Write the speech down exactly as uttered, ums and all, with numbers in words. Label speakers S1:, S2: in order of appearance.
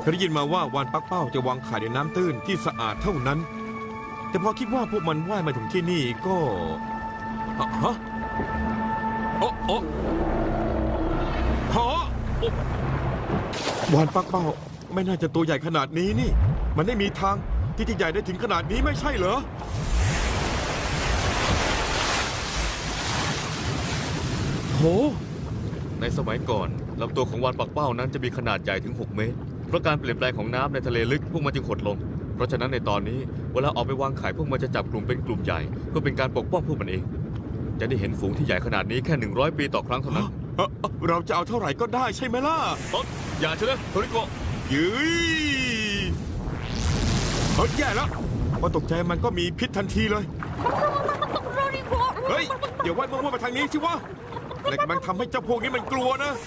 S1: ยได้ยินมาว่าวานปักเป้าจะวางไข่ในน้ำตื้นที่สะอาดเท่านั้น แต่พอคิดว่าพวกมันว่ายมาถึงที่นี่ก็ฮะฮะโอ้โอ้ฮะโอ้วานปักเป้าไม่น่าจะตัวใหญ่ขนาดนี้นี่ มันไม่มีทางที่จะใหญ่ได้ถึงขนาดนี้ไม่ใช่เหรอโหในสมัยก่อนลำตัวของวานปักเป้านั้นจะมีขนาดใหญ่ถึงหกเมตรเพราะการเปลี่ยนแปลงของน้ำในทะเลลึกพวกมันจึงหดลงเพราะฉะนั้นในตอนนี้เวลาออกไปวางไข่พวกมันจะจับกลุ่มเป็นกลุ่มใหญ่เพื่อเป็นการปกป้องพวกมันเองจะได้เห็นฝูงที่ใหญ่ขนาดนี้แค่หนึ่งร้อยปีต่อครั้งเท่านั้นเราจะเอาเท่าไหร่ก็ได้ใช่ไหมล่ะอย่าเชื่อโทริโกะยืยเฮ้ยแย่แล้วพอตกใจมันก็มีพิษทันทีเลยเฮ้ยเดี๋ยวไว้มึงว่ามาทางนี้สิวะอะไรกำลังทำให้เจ้าพวกนี้มันกลัวนะ